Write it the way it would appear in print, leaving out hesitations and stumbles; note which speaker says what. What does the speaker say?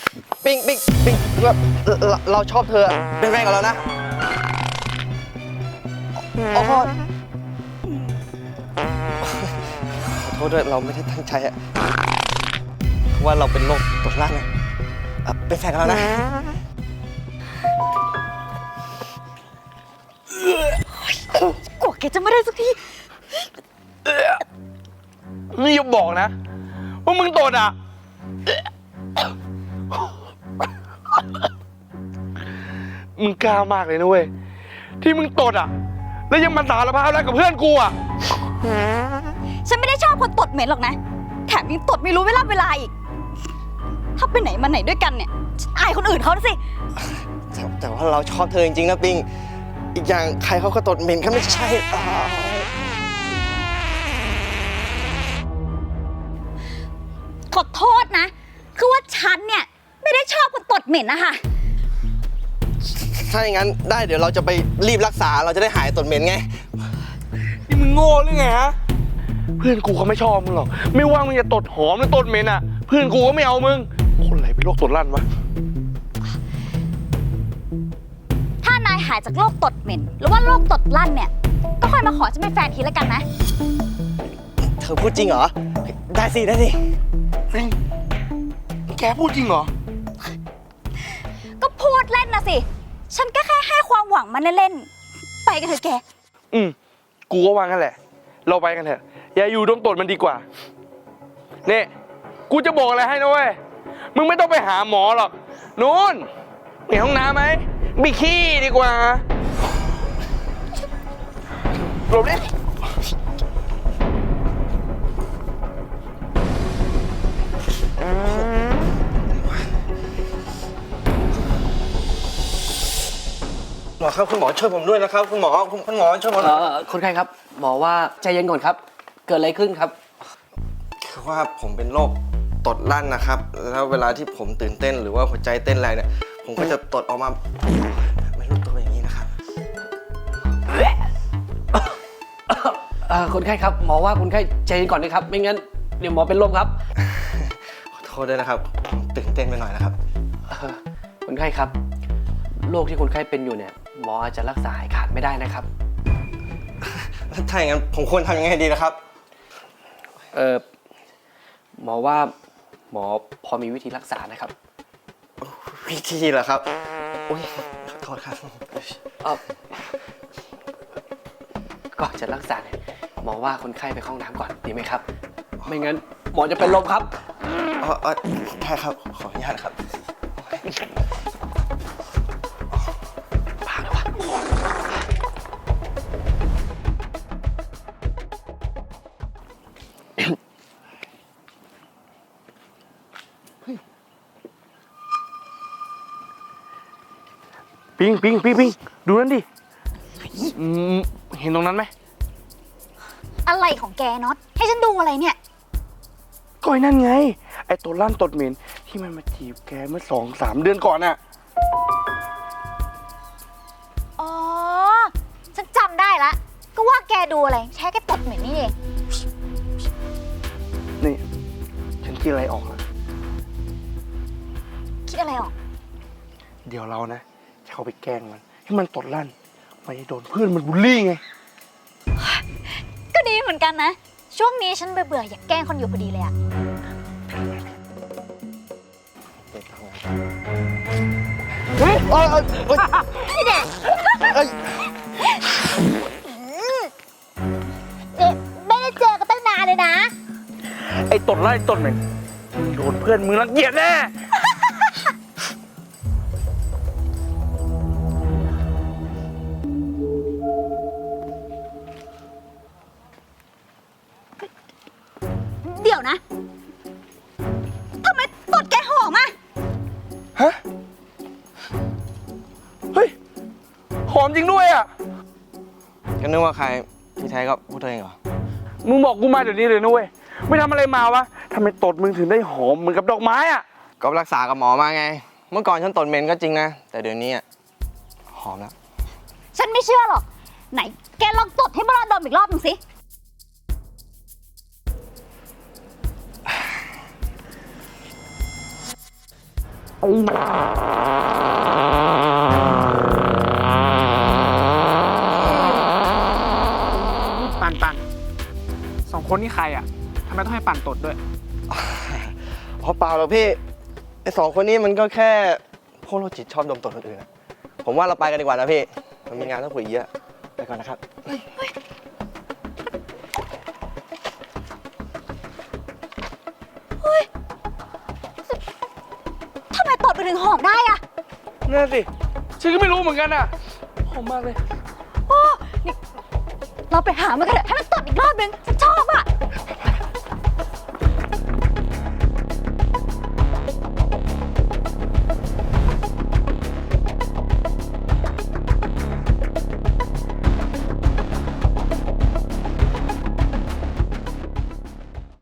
Speaker 1: ปิงเราชอบเธอเป็นแฟนกับเรานะขอโทษด้วยเราไม่ได้ตั้งใจอะว่าเราเป็นโรคตดลั่นนะเป็นแฟนกับเรานะ
Speaker 2: กว่าแกจะไม่ได้สักที
Speaker 3: นี่อย่าบอกนะว่ามึงตดอ่ะมึงกล้ามากเลยนะเว้ยที่มึงตดอ่ะแล้วยังมาสารภาพแล้วกับเพื่อนกูอ่ะ
Speaker 2: ฉันไม่ได้ชอบคนตดเหม็นหรอกนะแถมยังตดไม่รู้เวลาอีกถ้าไปไหนมาไหนด้วยกันเนี่ยอายคนอื่นเขาสิ
Speaker 1: แต่ว่าเราชอบเธอจริงๆนะปิงอีกอย่างใครเขาก็ตดเหม็นก็ไม่ใช่
Speaker 2: ขอโทษนะคือว่าฉันเนี่ยไม่ได้ชอบคนตดเหม็นนะคะ
Speaker 1: ถ้าอย่างนั้นได้เดี๋ยวเราจะไปรีบรักษาเราจะได้หายตดเหม็นไง
Speaker 3: นี่มึงโง่หรือไงฮะเพื่อนกูเขาไม่ชอบมึงหรอกไม่ว่ามึงจะตดหอมหรือตดเหม็นอ่ะเพื่อนกูก็ไม่เอามึงคนไหนเป็นโรคตดลั่นวะ
Speaker 2: ถ้านายหายจากโรคตดเหม็นหรือว่าโรคตดลั่นเนี่ยก็ค่อยมาขอฉันเป็นแฟนทีแล้วกันนะ
Speaker 1: เธอพูดจริงเหรอได้สิ
Speaker 3: แกพูดจริงเหรอ
Speaker 2: ก็พูดเล่นนะสิฉันก็แค่ให้ความหวังมันเล่นๆไปกันเถอะแก
Speaker 3: กูก็วางกันแหละเราไปกันเถอะอย่าอยู่ดมตดมันดีกว่าเนี่ยกูจะบอกอะไรให้นะเว้ยมึงไม่ต้องไปหาหมอหรอกนู้นมีห้องน้ำไหมมีขี้ดีกว่าหลบดิ
Speaker 1: หมอครับคุณหมอช่วยผมด้วยนะครับคุณหมอช่วยผม
Speaker 4: คนไข้ครับหมอว่าใจเย็นก่อนครับเกิดอะไรขึ้นครับ
Speaker 1: คือว่าผมเป็นโรคตดลั่นนะครับแล้วเวลาที่ผมตื่นเต้นหรือว่าหัวใจเต้นแรงเนี่ยผมก็จะตดออกมาไม่รู้ตัวอย่างนี้นะครับ
Speaker 4: คนไข้ครับหมอว่าคนไข้ใจเย็นก่อนนะครับไม่งั้นเดี๋ยวหมอเป็นลมครับ
Speaker 1: ขอโทษด้วยนะครับตื่นเต้นไปหน่อยนะครับ
Speaker 4: คนไข้ครับโรคที่คนไข้เป็นอยู่เนี่ยหมออาจจะรักษาหายขาดไม่ได้นะครับ
Speaker 1: ถ้าอย่างนั้นผมควรทำยังไงดีนะครับ
Speaker 4: หมอว่าหมอพอมีวิธีรักษานะครับ
Speaker 1: วิธีเหรอครับโอ้ยขอโทษครับ
Speaker 4: ก่อนจะรักษาเนี่ยหมอว่าคนไข้ไปเข้าห้องน้ำก่อนดีไหมครับไม่งั้นหมอจะเป็นลมครับ
Speaker 1: ใช่ครับขออนุญาตครับ
Speaker 3: ปิงดูนั่นดิเห็นตรงนั้นไหม
Speaker 2: อะไรของแกน็อตให้ฉันดูอะไรเนี่ย
Speaker 3: ก็ไอ้นั่นไงไอ้ตัวลั่นตดเหม็นที่มันมาจีบแกเมื่อ2-3 เดือนก่อนน่ะ
Speaker 2: อ๋อฉันจำได้ละก็ว่าแกดูอะไรใช้แกตดเหม็นนี่เอง
Speaker 3: นี่ฉันคิดอะไรออกแล้ว
Speaker 2: คิดอะไรออก
Speaker 3: เดี๋ยวเรานะจะเข้าไปแกล้งมันให้มันตดลั่นไม่โดนเพื่อนมันบูลลี่ไง
Speaker 2: ก็ดีเหมือนกันนะช่วงนี้ฉันเบื่ออยากแกล้งคนอยู่พอดีเลยอะพี่เด็กไม่ได้เจอกันตั้งนานเลยนะ
Speaker 3: ไอ้ตดไล่ตดเหม็นโดนเพื่อนมึงรังเกียจแน่
Speaker 2: เดี๋ยวนะทำไมตดแกหอมอ่ะ
Speaker 3: ฮะเฮ้ยหอมจริงด้วยอ่ะ
Speaker 1: ก็นึกว่าใครที่แท้ก็พูดตัวเองเหรอ
Speaker 3: มึงบอกกูมาเดี๋ยวนี้เลยนะเว้ยไม่ทำอะไรมาวะทำไมตดมึงถึงได้หอมเหมือนกับดอกไม้อ่ะ
Speaker 1: ก็รักษากับหมอมาไงเมื่อก่อนฉันตดเหม็นก็จริงนะแต่เดี๋ยวนี้หอมแล้ว
Speaker 2: ฉันไม่เชื่อหรอกไหนแกลองตดให้พวกเราดมอีกรอบหนึ่งสิ
Speaker 5: ปันสองคนนี่ใครอ่ะทำไมต้องให้ปันตดด้วย
Speaker 1: เพราะเปล่าหรอกพี่ไอ้สองคนนี้มันก็แค่พวกโรคจิตชอบดมตดคนอื่นอะผมว่าเราไปกันดีกว่านะพี่มันมีงานต้องคุยเยอะไปก่อนนะครับ
Speaker 2: ทำไมตดไปถึงหอมได้อะ
Speaker 3: นั่นสิฉันก็ไม่รู้เหมือนกันอ่ะหอมมากเลย
Speaker 2: โอ้นี่เราไปหามันกันเถอะให้มันตดอีกรอบนึง